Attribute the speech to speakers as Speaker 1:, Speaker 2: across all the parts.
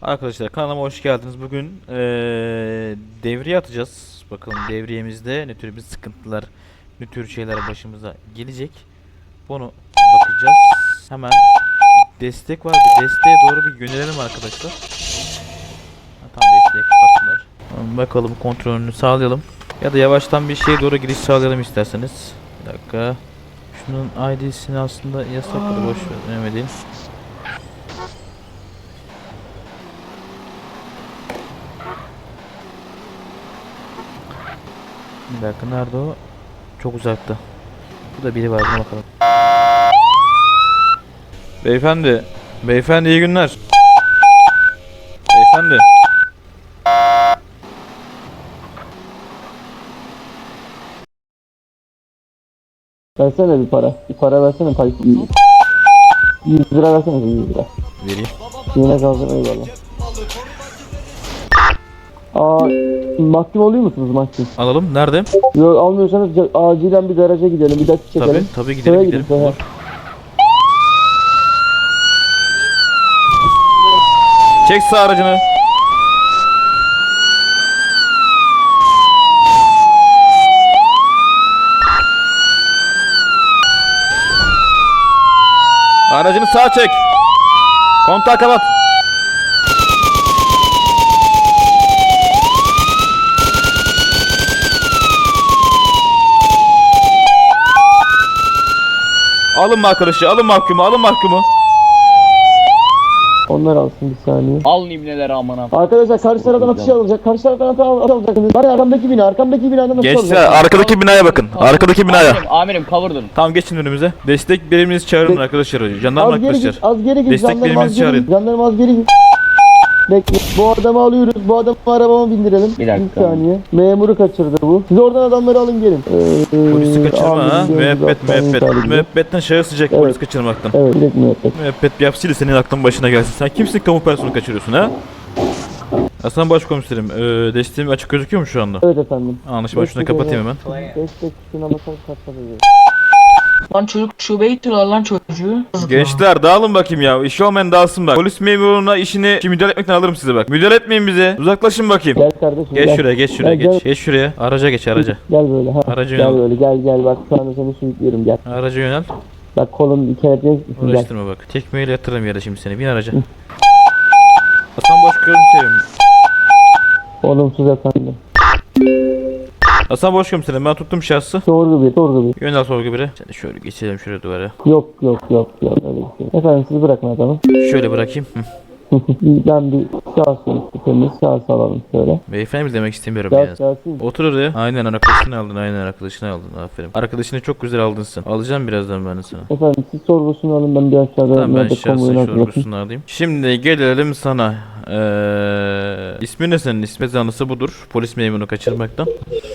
Speaker 1: Arkadaşlar kanalıma hoş geldiniz. Bugün devriye atacağız. Bakalım devriyemizde ne tür bir sıkıntılar, ne tür şeyler başımıza gelecek. Bunu bakacağız. Hemen destek var. Bir desteğe doğru bir yönelelim arkadaşlar. Tam desteğe kapattılar. Bakalım kontrolünü sağlayalım. Ya da yavaştan bir şeye doğru giriş sağlayalım isterseniz. Bir dakika. Şunun ID'sini aslında yasakladı. Boş ver. Önemli değil. Bir dakika, nerede o? Çok uzakta. Bu da biri var, buna bakalım. Beyefendi. Beyefendi iyi günler. Beyefendi.
Speaker 2: Versene bir para. Bir para versene. 100 lira versene. 100 lira.
Speaker 1: Vereyim.
Speaker 2: Yine kalsın, eyvallah. Mahkum oluyor musunuz mahkum?
Speaker 1: Alalım. Nerede?
Speaker 2: Yok, almıyorsanız acilen bir garaja gidelim. Bir dakika çekelim.
Speaker 1: Tabii gidelim
Speaker 2: Şuraya
Speaker 1: gidelim.
Speaker 2: gidin,
Speaker 1: Olur. Çek sağ aracını. Aracını sağa çek. Kontağı kapat. Alın mı arkadaşı? Alın mahkumu, alın mahkumu.
Speaker 2: Onlar alsın bir saniye.
Speaker 3: Al nimneleri amına.
Speaker 2: Arkadaşlar karşı taraftan atış alacak. Karşı taraftan atış alacaksınız. Var ya, arkamdaki binada nasıl
Speaker 1: Gençler
Speaker 2: alacak?
Speaker 1: arkadaki binaya bakın. Arkadaki binaya.
Speaker 3: Amirim cover durun.
Speaker 1: Tamam, geçin önümüze. Destek biriminizi çağırın arkadaşlar. Jandarma
Speaker 2: Az geri
Speaker 1: arkadaşlar.
Speaker 2: git, az geri git.
Speaker 1: Destek
Speaker 2: Jandarma
Speaker 1: biriminizi
Speaker 2: az geri
Speaker 1: çağırın.
Speaker 2: git. Jandarma az geri git. Bekle. Bu adamı alıyoruz. Bu adamı arabama bindirelim.
Speaker 3: Bir dakika.
Speaker 2: Bir saniye. Memuru kaçırdı bu. Siz oradan adamları alın gelin.
Speaker 1: Polisi kaçırma ha.
Speaker 2: amirim,
Speaker 1: Müebbet
Speaker 2: zaten
Speaker 1: müebbet.
Speaker 2: intihar ediyor.
Speaker 1: Müebbetten şahıs sıcak
Speaker 2: Evet.
Speaker 1: polis kaçırmaktan.
Speaker 2: Evet, direkt müebbet.
Speaker 1: Müebbet bir hapsiyle senin aklın başına gelsin. Sen kimsin, kamu personeli kaçırıyorsun ha? Hasan Başkomiserim, desteğim açık gözüküyor mu şu anda?
Speaker 2: Evet efendim.
Speaker 1: Anlaşma, şunu kapatayım hemen.
Speaker 2: Destek tuşuna basar kapatacağız.
Speaker 4: Lan çocuk şubeye gittiler lan çocuğu.
Speaker 1: Gençler dağılın bakayım ya. İşi olmayan dağılsın bak. Polis memuruna işini müdahale etmekten alırım size bak. Müdahale etmeyin bize. Uzaklaşın bakayım.
Speaker 2: Gel kardeşim.
Speaker 1: Geç
Speaker 2: gel.
Speaker 1: şuraya, geç şuraya,
Speaker 2: Gel,
Speaker 1: geç. Geç şuraya. Araca geç, araca.
Speaker 2: Gel böyle ha.
Speaker 1: Aracı
Speaker 2: Gel
Speaker 1: yönel.
Speaker 2: böyle, gel bak şu anda seni sürüklüyorum, gel.
Speaker 1: Araca yönel.
Speaker 2: Bak kolun kelepçenin gel.
Speaker 1: Uğraştırma bak. Tekmeyle yatırırım yere şimdi seni. Bin araca. Hasan Başkomiserim.
Speaker 2: Olumsuz efendim.
Speaker 1: Hasan Başkomiserim, ben tuttum şahsı.
Speaker 2: Sorgu bir.
Speaker 1: Yönel sorgu bire. Sen de şöyle geçelim şuraya duvara.
Speaker 2: Yok öyle bir şey. Efendim siz bırakın adamı.
Speaker 1: Şöyle bırakayım. Hı.
Speaker 2: Ben bir şahsım, temiz şahs alalım şöyle.
Speaker 1: Beyefendi mi demek istemiyorum ya.
Speaker 2: Şahsım.
Speaker 1: Otur oraya. Aynen arkadaşını aldın, aynen arkadaşını aldın. Aferin. Arkadaşını çok güzel aldın sen. Alacağım birazdan ben de sana.
Speaker 2: Efendim siz sorgusunu alın, ben bir aşağıda
Speaker 1: Tamam, ben
Speaker 2: nerede
Speaker 1: şahsen
Speaker 2: konvoyunu hazırlatayım.
Speaker 1: sorgusunu alayım. Şimdi gelelim sana. İsmi ne senin? İsmi zanlısı budur. Polis memuru kaçırmaktan.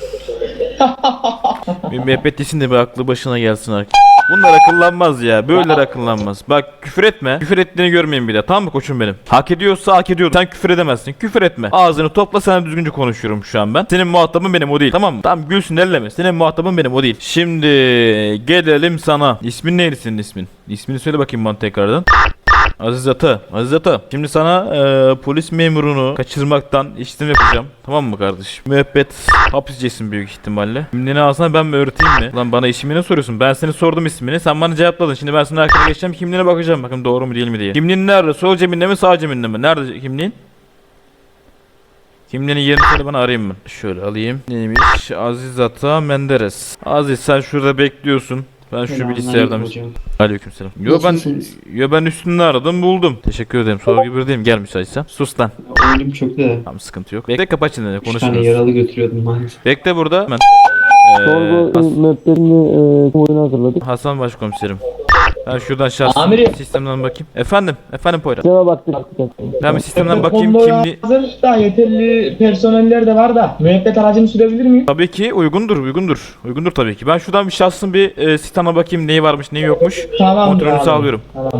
Speaker 1: Bir müebbetlisin de bir aklı başına gelsin artık. Bunlar akıllanmaz ya. Böyleler akıllanmaz. Bak küfür etme. Küfür ettiğini görmeyin bir daha. Tamam mı koçum benim? Hak ediyorsa hak ediyor. Sen küfür edemezsin. Küfür etme. Ağzını topla, sana düzgünce konuşuyorum şu an ben. Senin muhatabın benim, o değil. Tamam mı? Tamam, gülsün elleme. Senin muhatabın benim, o değil. Şimdi gelelim sana. İsmin neydi senin ismin? İsmini söyle bakayım bana tekrardan. Aziz Ata. Aziz Ata. Şimdi sana polis memurunu kaçırmaktan işlem yapacağım. Tamam mı kardeşim? Müebbet hapis yiyeceksin büyük ihtimalle. Kimliğini alsana, ben mi öğreteyim mi? Lan bana ismini ne soruyorsun? Ben seni sordum ismini. Sen bana cevapladın. Şimdi ben sana arkana geçeceğim. Kimliğine bakacağım. Bakın doğru mu değil mi diye. Kimliğin nerede? Sol cebinde mi, sağ cebinde mi? Nerede kimliğin? Kimliğinin yerini söyle bana, arayayım ben. Şöyle alayım. Neymiş? Aziz Ata Menderes. Aziz sen şurada bekliyorsun. Ben şu bilgisayardan... Aleykümselam. Yo ben üstünde aradım, buldum. Teşekkür ederim. Sorgu bir diyeyim, gel müsaitsen. Sus lan.
Speaker 5: Oyunum çöktü de.
Speaker 1: Tamam, sıkıntı yok. Bekle, kapat şimdi
Speaker 5: 3 tane
Speaker 1: konuşuruz.
Speaker 5: yaralı götürüyordum maalesef.
Speaker 1: Bekle burada. Hemen.
Speaker 2: Sorgu müebbetini konvoyunu hazırladık.
Speaker 1: Hasan Başkomiserim. Ben şuradan şahsın
Speaker 3: Amirim.
Speaker 1: sistemden bakayım. Efendim Poyraz.
Speaker 2: Sisteme baktık.
Speaker 1: Ben bir sistemden bakayım
Speaker 4: Konvoya
Speaker 1: kimli...
Speaker 4: hazır da yeterli personeller de var da müebbet aracını sürebilir miyim?
Speaker 1: Tabii ki uygundur tabii ki. Ben şuradan bir şahsın bir sisteme bakayım, neyi varmış neyi yokmuş.
Speaker 4: Tamam.
Speaker 1: Kontrolünü sağlıyorum.
Speaker 4: Tamam.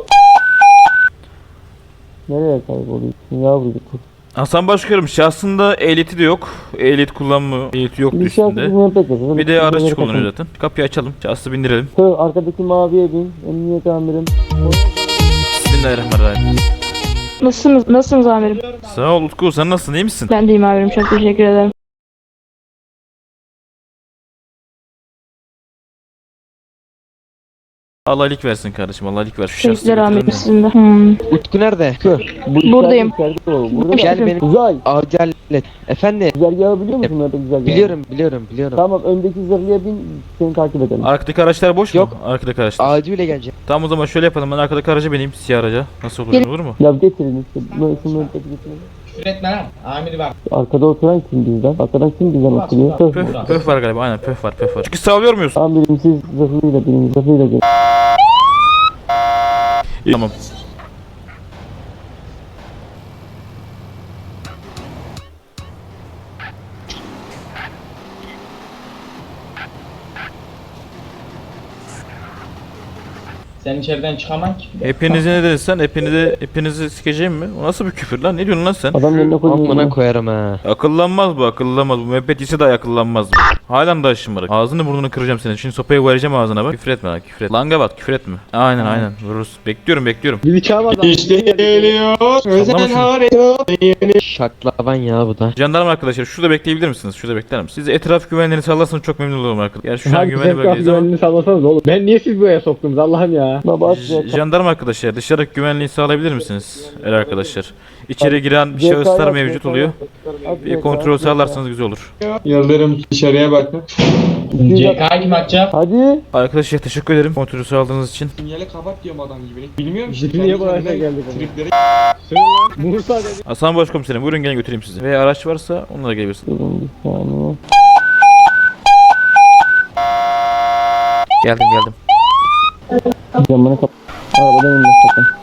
Speaker 2: Nereye kayboluyorsun yavrucuk?
Speaker 1: Hasan Başkanım, şahsında ehliyeti de yok. Ehliyet kullanmıyor. Ehliyeti yoktu
Speaker 2: Bir şahsımız
Speaker 1: üstünde.
Speaker 2: müebbet yazıyor.
Speaker 1: Bir de araç kullanıyor zaten. Kapıyı açalım. Şahsı bindirelim.
Speaker 2: Arkadaki maviye bin. Emniyet amirim.
Speaker 1: Bismillahirrahmanirrahim.
Speaker 6: Nasılsınız amirim?
Speaker 1: Sağ ol Utku, sen nasılsın, iyi misin?
Speaker 6: Ben deyim amirim, çok teşekkür ederim.
Speaker 1: Allah iyilik versin kardeşim, Allah iyilik versin. Şu şahsı
Speaker 6: Teşekkürler amirim
Speaker 1: getirin de.
Speaker 6: sizin de.
Speaker 7: Utku nerede?
Speaker 2: Bu
Speaker 6: Buradayım.
Speaker 2: içeride o. Burada
Speaker 7: Gel benim
Speaker 2: Uzay.
Speaker 7: acil et. Efendim?
Speaker 2: Güzergahı biliyor musun orada güzergahı?
Speaker 7: Biliyorum.
Speaker 2: Tamam öndeki zırhlıya bin seni takip edelim.
Speaker 1: Arkadaki araçlar boş
Speaker 7: Yok.
Speaker 1: mu? Arkadaki araçlar.
Speaker 7: Acile geleceğim.
Speaker 1: Tamam o zaman şöyle yapalım, ben arkadaki araca bineyim, siyah araca. Nasıl olur,
Speaker 6: Gel-
Speaker 1: olur mu?
Speaker 2: Ya getirin işte. Şunu getirin.
Speaker 4: Küfür etme lan. Amiri bak.
Speaker 2: Arkada oturan kim bizden? Arkadan kim bizden oturuyor?
Speaker 1: Pöf, pöf var galiba, aynen pöf var. Çünkü sağlıyor muyuz?
Speaker 2: Amirim siz zırhlıyla binin. Zırhlıyla gelin.
Speaker 1: Tamam.
Speaker 4: Sen içeriden çıkamam ki.
Speaker 1: Hepinizi ne dedin sen? Hepinizi sikeceğim mi? O nasıl bir küfür lan? Ne diyorsun lan sen?
Speaker 2: Adam yerine
Speaker 7: Amına
Speaker 2: koyuyor.
Speaker 7: koyarım ha.
Speaker 1: Akıllanmaz bu, akıllanmaz. Bu müebbet ise de akıllanmaz bu. Halen daha şımarık. Ağzını burnunu kıracağım senin. Şimdi sopayı vereceğim ağzına bak. Küfür etme lan, küfür et. Langa bat, küfür etme. Aynen. Vururuz. Bekliyorum.
Speaker 5: İşte geliyor.
Speaker 1: Sallama şunu.
Speaker 5: harita.
Speaker 7: Şaklaban ya bu da.
Speaker 1: Jandarma arkadaşlar şurada bekleyebilir misiniz? Şurada bekler misiniz? Siz etraf güvenliğini sağlarsanız çok memnun olurum arkadaşlar. Yani şu an güvenli bölgedeyiz ama.
Speaker 3: sallasanız oğlum. Ben niye siz buraya soktunuz Allah'ım ya?
Speaker 2: Baba at
Speaker 1: Jandarma arkadaşlar dışarı güvenliği sağlayabilir misiniz? Arkadaşlar. İçeri giren şahıslar mevcut oluyor. Bir kontrol sağlarsanız güzel olur.
Speaker 5: Yıldırım dışarıya bakın.
Speaker 4: CK kim atacak?
Speaker 2: Hadi.
Speaker 1: Arkadaşlar teşekkür ederim kontrolü sağladığınız için.
Speaker 5: Sinyali kapat diyorum adam gibi. Bilmiyorum işte.
Speaker 3: Niye bu hale geldik ama?
Speaker 5: Tripleri
Speaker 3: Bursa dedi.
Speaker 1: Hasan Başkomiserim buyurun gelin götüreyim sizi. Veya araç varsa onlara gelebilirsiniz.
Speaker 2: Durun bir saniye.
Speaker 1: Geldim.
Speaker 2: Camını kapat. Arabadan inme sakın.